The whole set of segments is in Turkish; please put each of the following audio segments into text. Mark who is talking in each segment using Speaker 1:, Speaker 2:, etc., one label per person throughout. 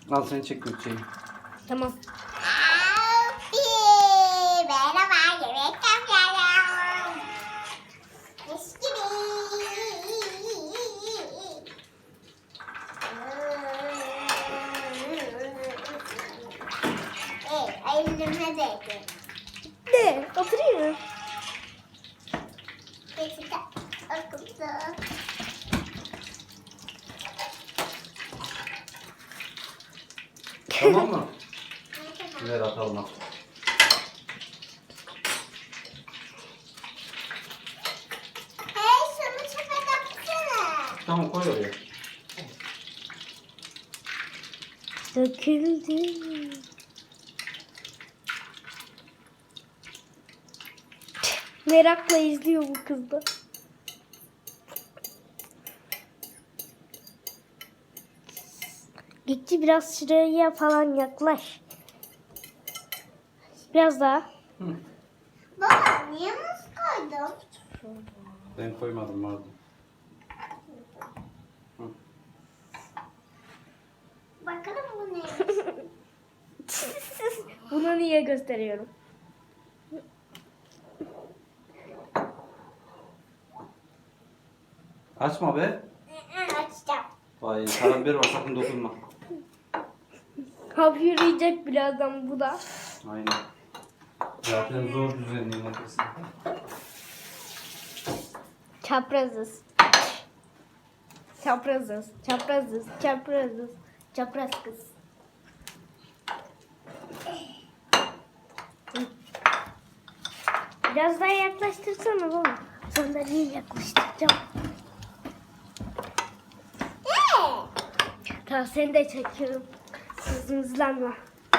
Speaker 1: Al seni çek Gökçe'yi.
Speaker 2: Tamam.
Speaker 3: Abi merhaba, yemek yapıyorum. Mis gibi. Elime değdi.
Speaker 2: Ne? Oturayım mı?
Speaker 3: Peki de akıllı.
Speaker 1: Tamam mı? Ver atalım.
Speaker 3: Hey, şunu çöpe döksene.
Speaker 1: Tamam koy oraya.
Speaker 2: Döküldü. Merakla izliyor bu kız da. Gitti biraz şuraya falan yaklaş. Biraz daha.
Speaker 1: Hı.
Speaker 3: Baba, niye muz koydun?
Speaker 1: Ben koymadım vardı. Hı.
Speaker 3: Bakalım bu neymiş.
Speaker 2: Bunu niye gösteriyorum?
Speaker 1: Açma be.
Speaker 3: Açacağım.
Speaker 1: Vay karabiber var sakın dokunma.
Speaker 2: Hapşıracak birazdan bu da.
Speaker 1: Aynen. Zaten zor düzenlemesi.
Speaker 2: Çaprazız. Çaprazız. Çaprazız. Çaprazız. Çapraz kız. Biraz daha yaklaştırsana baba. Sandalyeyi yaklaştıracağım. Tamam seni de çekiyorum. Hızlanma.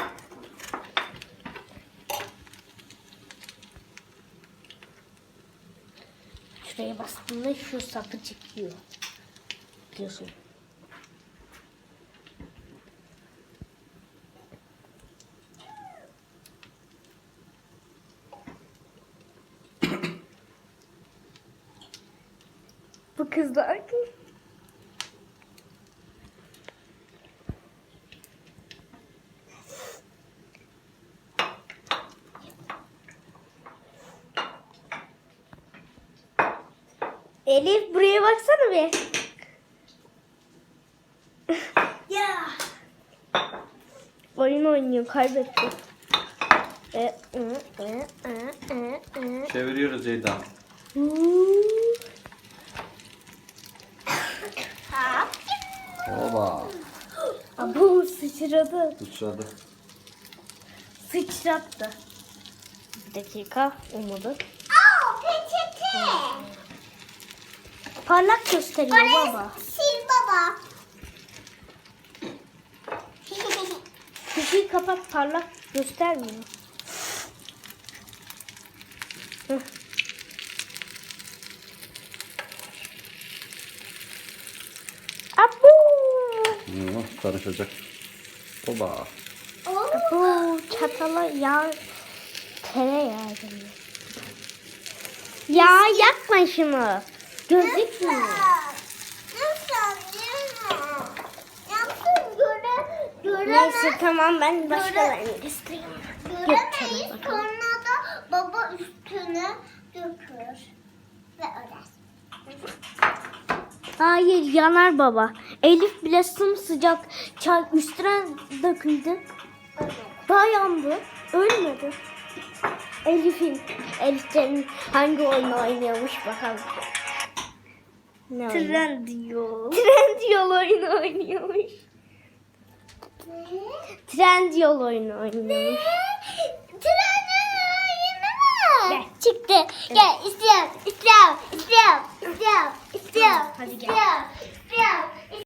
Speaker 2: Şuraya bastığında şu sapı çıkıyor. Diyorsun. Bu kızlar. Elif buraya baksana bir.
Speaker 3: Ya.
Speaker 2: Oyun oynuyor kaybetti.
Speaker 1: Çeviriyoruz Ceyda. Oba.
Speaker 2: Bu sıçradı.
Speaker 1: Sıçradı.
Speaker 2: Sıçrattı. Bir dakika umudu.
Speaker 3: Peçete.
Speaker 2: Parlak gösteriyor
Speaker 3: Orayı
Speaker 2: baba.
Speaker 3: sil baba.
Speaker 2: Kutuyu kapat parlak göstermiyor. Hıh. Abu.
Speaker 1: Karışacak. Oba.
Speaker 2: Bu çatala yağ tereyağı geliyor. Ya yakma şunu. Gözükmüyor.
Speaker 3: Yapsın
Speaker 2: Neyse tamam ben başkalarını göstereyim.
Speaker 3: göremeyiz. Sonra da baba üstüne dökür ve örer.
Speaker 2: Hayır yanar baba. Elif bile sımsıcak çay üstüne döküldü. Daha yandı. Ölmedi. Elif'in hangi oyunu oynuyormuş bakalım. Ne oyunu? Trendyol. Trendyol oyunu oynuyormuş. Trendyol oyunu oynuyormuş.
Speaker 3: Trenin oyunu mu?
Speaker 2: Gel.
Speaker 3: Çıktı. Gel istiyorum.
Speaker 2: Hadi gel.
Speaker 3: İstiyorum.